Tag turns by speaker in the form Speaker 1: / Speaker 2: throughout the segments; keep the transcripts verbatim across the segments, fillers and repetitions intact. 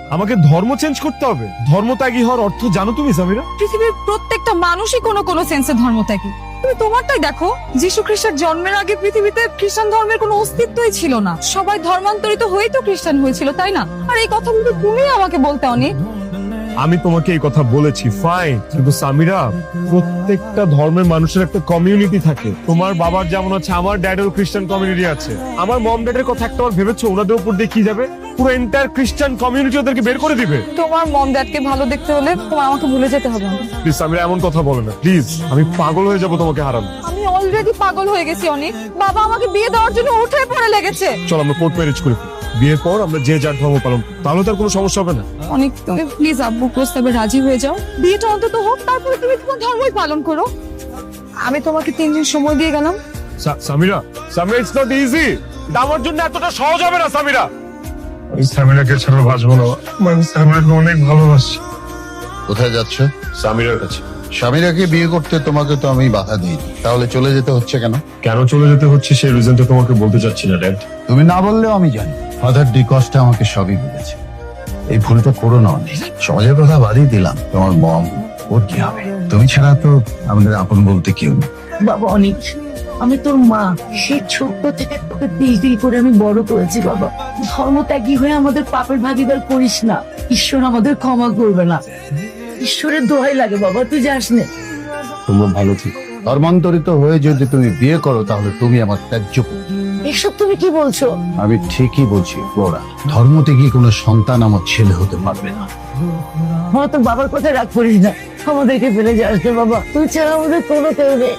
Speaker 1: আমাকে ধর্ম চেঞ্জ করতে হবে? ধর্ম ত্যাগী হওয়ার অর্থ জানো তুমি সামিরা?
Speaker 2: পৃথিবীর প্রত্যেকটা মানুষই কোনো কোনো সেন্সে ধর্মত্যাগী। তুমি তোমারটাই দেখো, যীশু খ্রিস্টের জন্মের আগে পৃথিবীতে খ্রিস্টান ধর্মের কোনো অস্তিত্বই ছিল না। সবাই ধর্মান্তরিত হয়েই তো খ্রিস্টান হয়েছিল, তাই না? আর এই কথাগুলো তুমি আমাকে বলতে অনেক।
Speaker 1: আমি তোমাকে এই কথা বলেছি, ফাইন, কিন্তু সামিরা, প্রত্যেকটা ধর্মের মানুষের একটা কমিউনিটি থাকে। তোমার বাবার যেমন আছে, আমার ড্যাডেরও খ্রিস্টান কমিউনিটি আছে। আমার মম ড্যাডের কথা একটা বার ভেবেছো ওনাদের উপর দিয়ে কি যাবে? পুরো এন্টায়ার খ্রিস্টান কমিউনিটি ওদেরকে বের করে দিবে।
Speaker 2: তোমার মম ড্যাডকে ভালো দেখতে হলে তোমার আমাকে ভুলে যেতে হবে না।
Speaker 1: প্লিজ সামিরা, এমন কথা বলে না প্লিজ। আমি পাগল হয়ে যাবো তোমাকে হারানো।
Speaker 2: আমি অলরেডি পাগল হয়ে গেছি অনেক। বাবা আমাকে বিয়ে দেওয়ার জন্য উঠে পড়ে লেগেছে।
Speaker 1: চল আমরা কোর্ট ম্যারেজ করি, বিয়ের পর আমরা যে যার ধর্ম পালন, তাহলে তার কোনো সমস্যা হবে না।
Speaker 2: অনেক, তুমি প্লিজ আব্বু প্রস্তাবে রাজি হয়ে যাও। বিয়েটা অন্তত হোক, তারপরে তুমি তোমার ধর্মই পালন করো। আমি তোমাকে তিন দিন সময় দিয়ে গেলাম।
Speaker 1: সা- Samira, Samira, it's not easy. এটা আমার জন্য এতটা সহজ হবে না সামিরা। আমি সামিরাকে ছাড়া বাঁচবো না। আমি সামিরাকে অনেক ভালোবাসি।
Speaker 3: কোথায় যাচ্ছ?
Speaker 1: সামিরার কাছে।
Speaker 3: স্বামীরাকে বিয়ে করতে তোমাকে তো আমি বাধা দিই, তাহলে চলে যেতে হচ্ছে কেন?
Speaker 1: কেন চলে যেতে হচ্ছে সেই রিজনটা তোমাকে বলতে চাচ্ছি না ড্যাড।
Speaker 3: তুমি না বললেও আমি জানি। ফাদার ডি কস্টা আমাকে সবই বলেছে। এই ভুলটা করো না অনেক। সমাজের কথা বাদই দিলাম, তোমার মম ওর কি হবে? তুমি ছাড়া তো আমাদের আপন বলতে কেউ নেই।
Speaker 4: বাবা অনেক, আমি তোর মা, সে ছোট্ট থেকে তোকে দিল দিল করে আমি বড় করেছি বাবা। ধর্মত্যাগী হয়ে আমাদের পাপের ভাগিদার করিস না, ঈশ্বর আমাদের ক্ষমা করবে না। ঈশ্বরের দোহাই লাগে বাবা, তুই যাস না।
Speaker 1: তোমরা ভালো থেকো।
Speaker 3: ধর্মান্তরিত হয়ে যদি তুমি বিয়ে করো তাহলে তুমি আমার ত্যায্য পুত্র।
Speaker 4: এসব তুমি কি বলছো?
Speaker 3: আমি ঠিকই বলছি ফ্লোরা, ধর্ম থেকে কোনো সন্তান আমার ছেলে হতে পারবে না।
Speaker 4: আমার তোর বাবার কথা রাগ করিস না, আমাদেরকে ফেলে যাস না বাবা, তুই ছাড়া আমাদের কোনো কেউ নেই।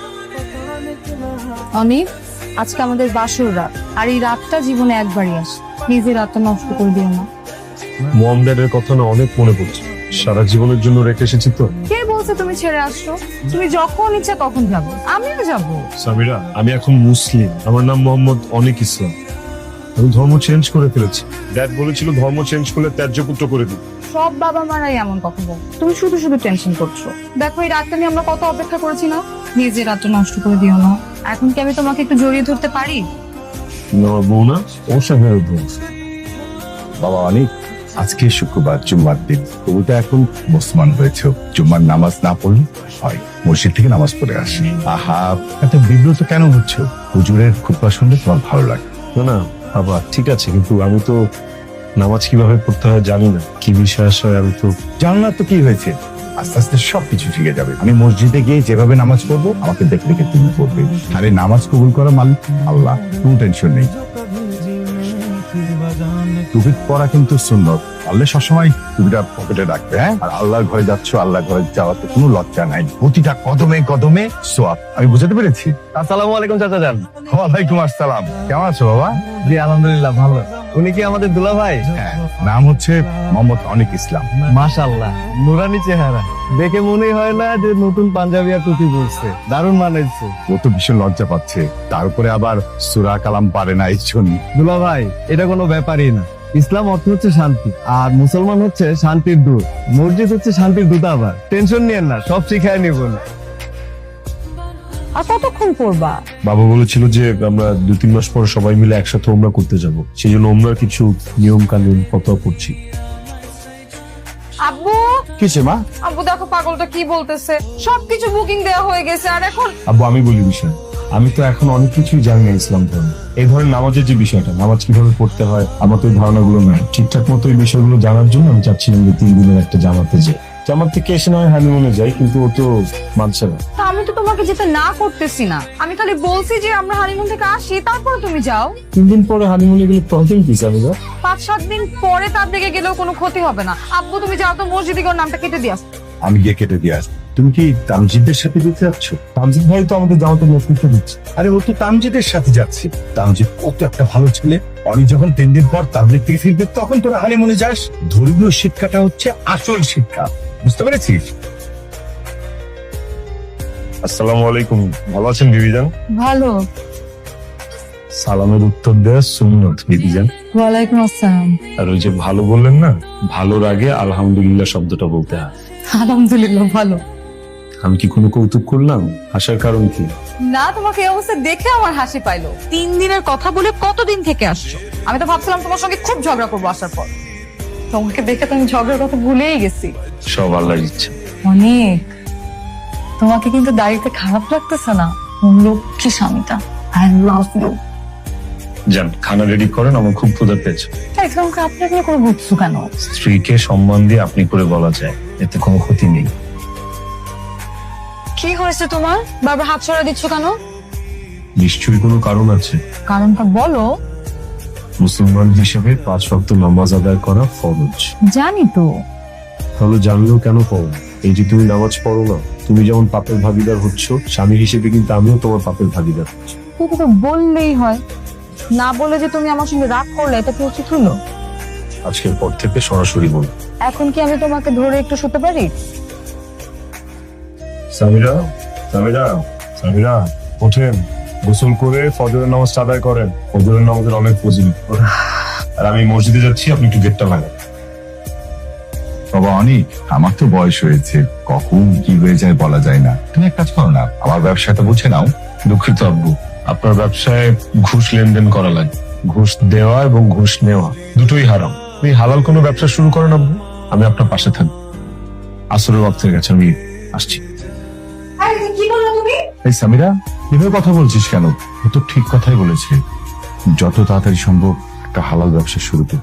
Speaker 2: অনেক, আজকে আমাদের বাসর রাত, আর এই রাতটা জীবনে একবারই আসে। নিজের রাতটা নষ্ট করে দিও না।
Speaker 1: মম ড্যাডের কথা না অনেক মনে পড়ছে। সারা জীবনের জন্য রেখে এসেছি তো।
Speaker 2: কে বলছে তুমি ছেড়ে আসছো? তুমি যখন ইচ্ছা তখন যাবো, আমিও যাবো।
Speaker 1: সামিরা, আমি এখন মুসলিম, আমার নাম মোহাম্মদ অনেক ইসলাম। আমি ধর্ম চেঞ্জ করে ফেলেছি। ড্যাড বলেছিল ধর্ম চেঞ্জ করলে ত্যায্য পুত্র করে দিই।
Speaker 2: সব বাবা মারাই এমন কথা বল। তুমি শুধু শুধু টেনশন করছো। দেখো এই রাতটা নিয়ে আমরা কত অপেক্ষা করেছি না। নিজের রাতটা নষ্ট করে দিও না। এখন কি আমি তোমাকে একটু জড়িয়ে ধরতে পারি?
Speaker 1: আমার বউ না, ওর সাথে বউ।
Speaker 5: বাবা অনেক, আজকে শুক্রবার, জুম্মার দিন। তুমি তো এখন মুসলমান হয়েছ, জুম্মার নামাজ না পড়লে হয়, মসজিদ থেকে নামাজ পড়ে আসি। আহা, এত বিব্রত কেন হচ্ছ? হুজুরের খুতবা শুনলে তোমার ভালো লাগে।
Speaker 1: না না বাবা, ঠিক আছে, কিন্তু আমি তো নামাজ কিভাবে পড়তে হয় জানি না, কি বিশ্বাস হয় আমি তো
Speaker 5: জানো না তো কি হয়েছে, আস্তে আস্তে সবকিছু শিখে যাবে। আমি মসজিদে গিয়ে যেভাবে নামাজ পড়বো, আমাকে দেখে দেখে তুমি পড়বে। আর এই নামাজ কবুল করা মালিক আল্লাহ, কোনো টেনশন নেই। টুপি পরা কিন্তু সুন্নত, আল্লাহ সবসময় টুপিটা পকেটে রাখবে। হ্যাঁ, আর আল্লাহর ঘরে যাচ্ছ, আল্লাহর ঘরে যাওয়াতে কোনো লজ্জা নাই। প্রতিটা কদমে কদমে সোয়াব। আমি বুঝাতে পেরেছি?
Speaker 6: আসসালামু আলাইকুম চাচা যান।
Speaker 5: ওয়ালাইকুম আসসালাম, কেমন আছো বাবা?
Speaker 6: জি আলহামদুলিল্লাহ ভালো। উনি কি আমাদের দুলা ভাই?
Speaker 5: হ্যাঁ, নাম হচ্ছে মোহাম্মদ অনিক ইসলাম।
Speaker 6: মাশাআল্লাহ, নুরানি চেহারা, দেখে মনে হয় না যে নতুন পাঞ্জাবি আর টুপি পরছে। দারুণ মানাইছে।
Speaker 5: ও তো ভীষণ লজ্জা পাচ্ছে, তার উপরে আবার সূরা কালাম পারে না, এই জন্য।
Speaker 6: দুলা ভাই, এটা কোনো ব্যাপারই না। ইসলাম অর্থ হচ্ছে শান্তি, আর মুসলমান হচ্ছে শান্তির দূত। মসজিদ হচ্ছে শান্তির দূতাবাস। টেনশন নিয়েন না, সব শিখায় নিব না।
Speaker 2: আর কতক্ষণ পড়বা?
Speaker 1: বাবা বলেছিল যে আমরা দু তিন মাস পর সবাই মিলে একসাথে ওমরা করতে যাব, সেই জন্য ওমরার কিছু নিয়ম কানুন কথা পড়ছি।
Speaker 2: আব্বু,
Speaker 5: কিসে মা?
Speaker 2: আব্বু দেখো পাগলটা কি বলতেছে। সবকিছু বুকিং দেওয়া হয়ে গেছে, আর এখন
Speaker 1: আব্বু আমি বলি বিষয়, আমি তো এখন অনেক কিছুই জানি না ইসলাম ধর্ম। এই ধরনের নামাজের যে বিষয়টা, নামাজ কিভাবে পড়তে হয়, আমার তো এই ধারণাগুলো নাই। ঠিকঠাক মতো এই বিষয়গুলো জানার জন্য আমি চাচ্ছিলাম যে তিন দিনের একটা জামাতে যাই। জামাত থেকে এসে নয় হানিমুনে যাই, কিন্তু ও তো মানছে না।
Speaker 2: তা আমি তো তোমাকে যেতে না করতেছি না, আমি খালি বলছি যে আমরা হানিমুন থেকে আসি, তারপরে তুমি যাও।
Speaker 1: তিন দিন পরে হানিমুনে গেলে প্রবলেম কি সামিরা?
Speaker 2: পাঁচ সাত দিন পরে তার দিকে গেলেও কোনো ক্ষতি হবে না। আব্বু তুমি যাও তো, মসজিদে গিয়ে ওর নামটা কেটে দিয়ে আসো।
Speaker 5: আমি গিয়ে কেটে দিয়ে আসবো। তুমি কি তামজিদের সাথে দিতে যাচ্ছ?
Speaker 1: তামজিদ ভাই তো আমাদের জামাতের নেতৃত্ব দিচ্ছে।
Speaker 5: আরে ও তো তামজিদের সাথে যাচ্ছে। তামজিদ কত একটা ভালো ছেলে। অনেক যখন তিন দিন পর তাবলিগ থেকে ফিরবে, তখন তোরা হানিমুনে যাস। ধর্মীয় শিক্ষাটা হচ্ছে আসল শিক্ষা, বুঝতে পেরেছিস?
Speaker 1: আসসালামু আলাইকুম, ভালো আছেন বিবিজান?
Speaker 2: ভালো।
Speaker 1: সালামের উত্তর দেওয়া সুন্নত বিবিজান।
Speaker 2: ওয়ালাইকুম আসসালাম।
Speaker 1: আর ওই যে ভালো বললেন না, ভালোর আগে আলহামদুলিল্লাহ শব্দটা বলতে হয়।
Speaker 2: আলহামদুলিল্লাহ ভালো।
Speaker 1: আমি কি কোনো কৌতুক করলাম? আসার কারণ কি?
Speaker 2: না, তোমাকে এই অবস্থা দেখে আমার হাসি পাইলো। তিন দিনের কথা বলে কতদিন থেকে আসছো? আমি তো ভাবছিলাম তোমার সঙ্গে খুব ঝগড়া করবো আসার পর। তোমাকে দেখে তো আমি ঝগড়ার কথা ভুলেই গেছি।
Speaker 1: সব আল্লাহর ইচ্ছা।
Speaker 2: অনেক, তোমাকে কিন্তু দাড়িতে খারাপ লাগতেছে না? লক্ষ্মী স্বামীটা, আই লাভ ইউ।
Speaker 1: যান, খানা রেডি করেন, আমার খুব ক্ষুধা পেয়েছে।
Speaker 2: তাই তোমাকে আপনাকে করে বুঝছো কেন?
Speaker 1: স্ত্রীকে সম্মান দিয়ে আপনি করে বলা যায়, এতে কোনো ক্ষতি নেই।
Speaker 2: কি হয়েছে তোমার? বারবার হাত ছড়া দিচ্ছ কেন?
Speaker 1: নিশ্চয়ই কোনো কারণ আছে।
Speaker 2: কারণটা বলো।
Speaker 1: মুসলমান হিসেবে পাঁচ ওয়াক্ত নামাজ আদায় করা ফরজ।
Speaker 2: জানি তো।
Speaker 1: তাহলে জানলেও কেন পড়ো? এই যে তুমি নামাজ পড়ো না, তুমি যেমন পাপের ভাগিদার হচ্ছ, স্বামী হিসেবে কিন্তু আমিও তোমার পাপের ভাগিদার হচ্ছি।
Speaker 2: তুমি তো বললেই হয়, না বলে যে তুমি আমার সঙ্গে রাগ করলে, এটা কি উচিত হলো?
Speaker 1: আজকের পর থেকে সরাসরি বলো।
Speaker 2: এখন কি আমি তোমাকে ধরে একটু শুতে পারি?
Speaker 1: সামিরা, সামিরা, সামিরা, ওঠেন, গোসল করে ফজরের নামাজ আদায় করেন। ফজরের নামাজের অনেক ফজিলত। আর আমি মসজিদে যাচ্ছি, আপনি একটু গেটটা লাগান।
Speaker 5: বাবা অনেক, আমার তো বয়স হয়েছে, কখন কি হয়ে যায় বলা যায় না। তুমি এক কাজ করো না, আমার ব্যবসাটা বুঝে নাও।
Speaker 1: দুঃখিত আব্বু, আপনার ব্যবসায় ঘুষ লেনদেন করা লাগে। ঘুষ দেওয়া এবং ঘুষ নেওয়া দুটোই হারাম। আপনি হালাল কোনো ব্যবসা শুরু করেন আব্বু, আমি আপনার পাশে থাকবো। আসরের ওয়াক্তের কাছে আমি আসছি।
Speaker 2: কি বললো তুমি?
Speaker 5: এই সামিরা, এভাবে কথা বলছিস কেন? ও তো ঠিক কথাই বলেছে, যত তাড়াতাড়ি সম্ভব একটা হালাল ব্যবসা শুরু কর।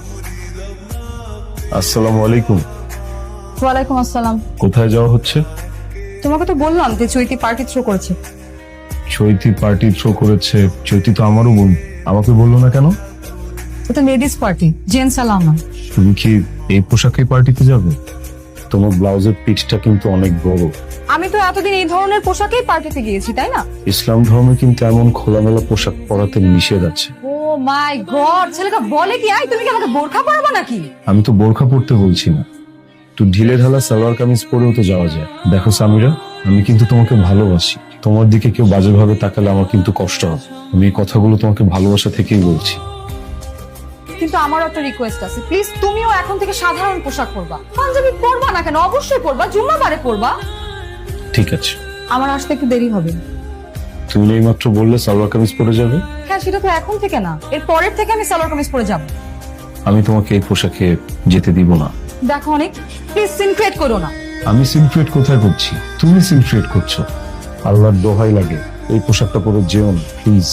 Speaker 1: আসসালামু আলাইকুম।
Speaker 2: ওয়ালাইকুম আসসালাম।
Speaker 1: কোথায় যাওয়া হচ্ছে?
Speaker 2: তোমাকে তো বললাম যে চৈতি পার্টি থ্রো করেছে।
Speaker 1: চৈতি পার্টি থ্রো করেছে? চৈতি তো আমারও বোন, আমাকে বললো না কেন?
Speaker 2: এটা লেডিস পার্টি, জেন্টস অ্যালাউ না।
Speaker 1: তুমি কি এই পোশাকে পার্টিতে যাবে? তোমার ব্লাউজের পিচটা কিন্তু অনেক বড়।
Speaker 2: আমি তো এতদিন এই ধরনের পোশাকেই পার্টিতে গিয়েছি, তাই না?
Speaker 1: ইসলাম ধর্মে কিন্তু এমন খোলামেলা পোশাক পরাতে নিষেধ আছে।
Speaker 2: ও মাই গড, ছেলেটা বলে কি? আই তুমি কি আমাকে বোরখা পরাবো নাকি?
Speaker 1: আমি তো বোরখা পরতে বলছি না, তো ঢিলে ঢালা সালোয়ার কামিজ পরেও তো যাওয়া যায়। দেখো সামিরা, আমি কিন্তু তোমাকে ভালোবাসি। তোমার দিকে কেউ বাজেভাবে তাকালে আমার কিন্তু কষ্ট হবে। আমি এই কথাগুলো তোমাকে ভালোবাসা থেকেই বলছি।
Speaker 2: কিন্তু আমারও একটা রিকোয়েস্ট আছে, প্লিজ তুমিও এখন থেকে সাধারণ পোশাক পরবা। পাঞ্জাবি পরবা না কেন? অবশ্যই পরবা, জুম্মাবারে পরবা।
Speaker 1: ঠিক আছে,
Speaker 2: আমার আসতে একটু দেরি হবে।
Speaker 1: তুমি এইমাত্র বললে সালোয়ার কামিজ পরে যাবে।
Speaker 2: হ্যাঁ, সেটা তো এখন থেকে না, এর পরের থেকে আমি সালোয়ার কামিজ পরে যাব।
Speaker 1: আমি তোমাকে এই পোশাকে যেতে দিব না।
Speaker 2: দেখো অনেক, প্লিজ সিন ক্রিয়েট করো না।
Speaker 1: আমি সিনক্রিয়েট কোথায় করছি? তুমি সিনক্রিয়েট করছো। আল্লাহর দোহাই লাগে, এই পোশাকটা পরে যেও না প্লিজ।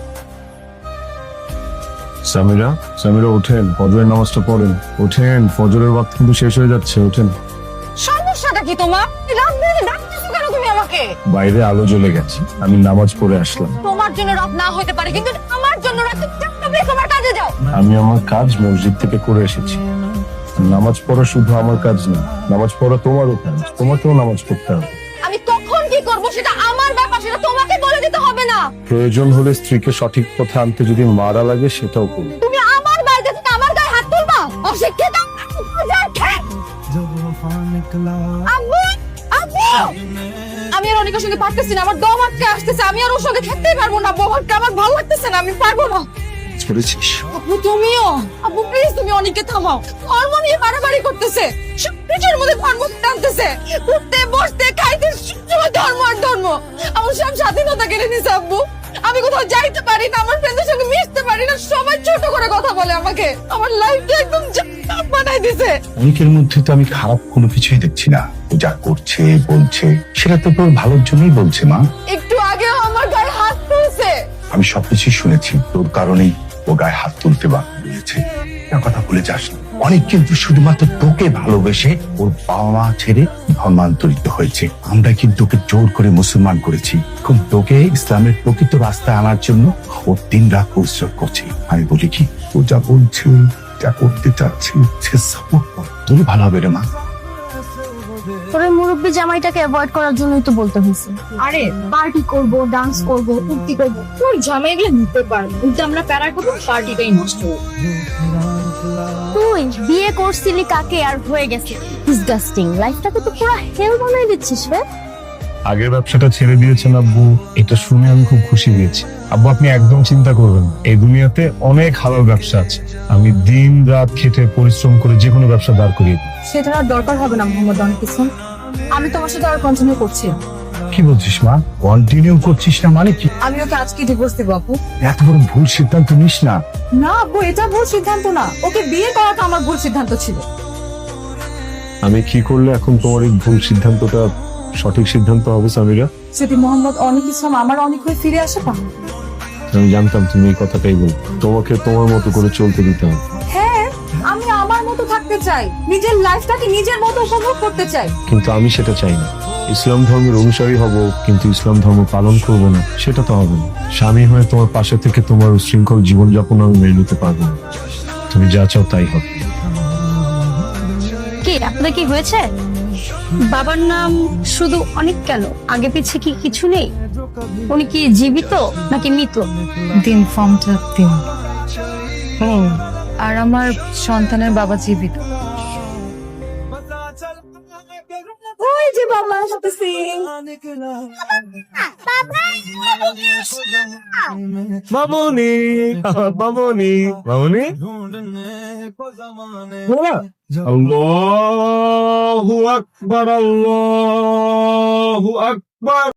Speaker 1: সামিরা, সামিরা ওঠেন, ফজরের নামাজটা পড়েন। ওঠেন, ফজরের ওয়াক্ত কিন্তু শেষ হয়ে যাচ্ছে, ওঠেন।
Speaker 2: সমস্যাটা কি তোমার? রাত বিরেতে ডাকতেছো কেন তুমি আমাকে?
Speaker 1: বাইরে আলো জ্বলে গেছে, আমি নামাজ পড়ে আসলাম।
Speaker 2: তোমার জন্য রাত না হতে পারে, কিন্তু আমার জন্য রাত। তুমি তোমার কাজে যাও।
Speaker 1: আমি আমার কাজ মসজিদ থেকে করে এসেছি। নামাজ পড়া শুধু আমার কাজ না, নামাজ পড়া তোমারও কাজ। তোমাকেও নামাজ পড়তে হবে।
Speaker 2: আমি কখন কি করব সেটা আমার ব্যাপার, সেটা তোমাকে বলে দিতে হবে না।
Speaker 1: প্রয়োজন হলে স্ত্রীকে সঠিক পথে আনতে যদি মারা লাগে সেটাও করবে।
Speaker 2: তুমি আমার বাড়িতে থেকে আমার গায়ে হাত তুলবা? অশিক্ষিত! আম্মু, আম্মু! আমি আর অনেকের সঙ্গে পারতেছি না, আমার দম আটকে আসতেছে। আমি আর ওর সঙ্গে থাকতেই পারবো না। বোমাকে আমার ভালো লাগতেছে না, আমি পারবো না।
Speaker 1: করেছিস?
Speaker 2: আব্বু তুমিও? আব্বু প্লিজ, তুমি অনেককে থামাও। ধর্ম নিয়ে বাড়াবাড়ি করতেছে, সব কিছুর মধ্যে ধর্ম টানতেছে। উঠতে বসতে খাইতে সবসময় ধর্ম আর ধর্ম। আমার সব স্বাধীনতা কেড়ে নিছে আব্বু। আমি কোথাও যাইতে পারি না, আমার ফ্রেন্ডদের সঙ্গে মিশতে পারি না, সবাই ছোট করে কথা বলে আমাকে। আমার লাইফটা একদম জাহান্নাম বানাই দিছে।
Speaker 5: অনেকের মধ্যে তো আমি খারাপ কোনো কিছুই দেখছি না। ও যা করছে বলছে সেটা তো তোর ভালোর জন্যই বলছে মা।
Speaker 2: একটু আগেও আমার গায়ে হাত তুলছে।
Speaker 5: আমি সবকিছুই শুনেছি, তোর কারণেই ও গায়ে হাত তুলতে বাধ্য। কথা বলে যাস না। অনেক কিন্তু শুধুমাত্র তোকে ভালোবেসে ওর বাবা মা ছেড়ে ধর্মান্তরিত হয়েছে। আমরা কিন্তু ওকে জোর করে মুসলমান করেছি। এখন তোকে ইসলামের প্রকৃত রাস্তায় আনার জন্য ও দিন রাত পরিশ্রম করছে। আমি বলি কি, ও যা বলছে, যা করতে চাচ্ছে, সে সাপোর্ট কর, তোর ভালো হবে রে মা।
Speaker 7: তোর মুরব্বী জামাইটাকে অ্যাভয়েড করার জন্যই তো বলতে হয়েছে।
Speaker 8: আরে পার্টি করব, ডান্স করব, ফুর্তি করব, তোর জামাইগুলো নিতে পারবো, কিন্তু আমরা প্যারা করবো, পার্টিটাই নষ্ট হবে।
Speaker 7: তুই বিয়ে করছিলি কাকে আর হয়ে গেছে? ডিসগাস্টিং, লাইফটাকে তো পুরো হেল বানাই দিচ্ছিস রে।
Speaker 1: আগের ব্যবসাটা ছেড়ে দিয়েছেন আব্বু, এটা শুনে আমি খুব খুশি হয়েছি। আব্বু আপনি একদম চিন্তা করবেন না, এই দুনিয়াতে অনেক হালাল ব্যবসা আছে। আমি দিন রাত খেটে পরিশ্রম করে যে কোনো ব্যবসা দাঁড় করিয়ে দিই।
Speaker 2: সেটা আর দরকার হবে না মোহাম্মদ অনেক কিছু। আমি তোমার সাথে আর কন্টিনিউ করছি না।
Speaker 3: কি বলছিস মা? কন্টিনিউ করছিস না মানে কি?
Speaker 2: আমি ওকে আজকে ডিভোর্স দেবো আপু।
Speaker 3: এত বড় ভুল সিদ্ধান্ত নিস না।
Speaker 2: না আপু, এটা ভুল সিদ্ধান্ত না, ওকে বিয়ে করাটা আমার ভুল সিদ্ধান্ত ছিল।
Speaker 1: আমি কি করলে এখন তোমার এই ভুল সিদ্ধান্তটা সঠিক সিদ্ধান্ত হবে সামিরা?
Speaker 2: যদি মোহাম্মদ অনেক ইসলাম আমার অনেক হয়ে ফিরে আসে পা।
Speaker 1: আমি জানতাম তুমি এই কথাটাই বলবে। তোমাকে তোমার মতো করে চলতে দিতে হবে।
Speaker 2: হ্যাঁ, আমি আমার মতো থাকতে চাই, নিজের লাইফটাকে নিজের মতো উপভোগ করতে চাই।
Speaker 1: কিন্তু আমি সেটা চাই না। ইসলাম ধর্মের অনুসারী হব, কিন্তু ইসলাম ধর্ম পালন করব না, সেটা তো হবে না। স্বামী হয়ে তোমার পাশে থেকে তোমার উশৃঙ্খল জীবনযাপন আমি মেনে নিতে পারবো না। তুমি যা চাও তাই হবে।
Speaker 7: কি আপনাদের কি হয়েছে? বাবার নাম শুধু অনেক কেন? আগে পিছে কি কিছু নেই? উনি কি জীবিত নাকি মৃত?
Speaker 2: দিন ফর্মটা দিন। হুম, আর আমার সন্তানের বাবা জীবিত। ওই যে বাবা আসতেছি।
Speaker 1: মামুনি, মামুনি, মামুনি। আল্লাহু আকবার, আল্লাহু আকবার।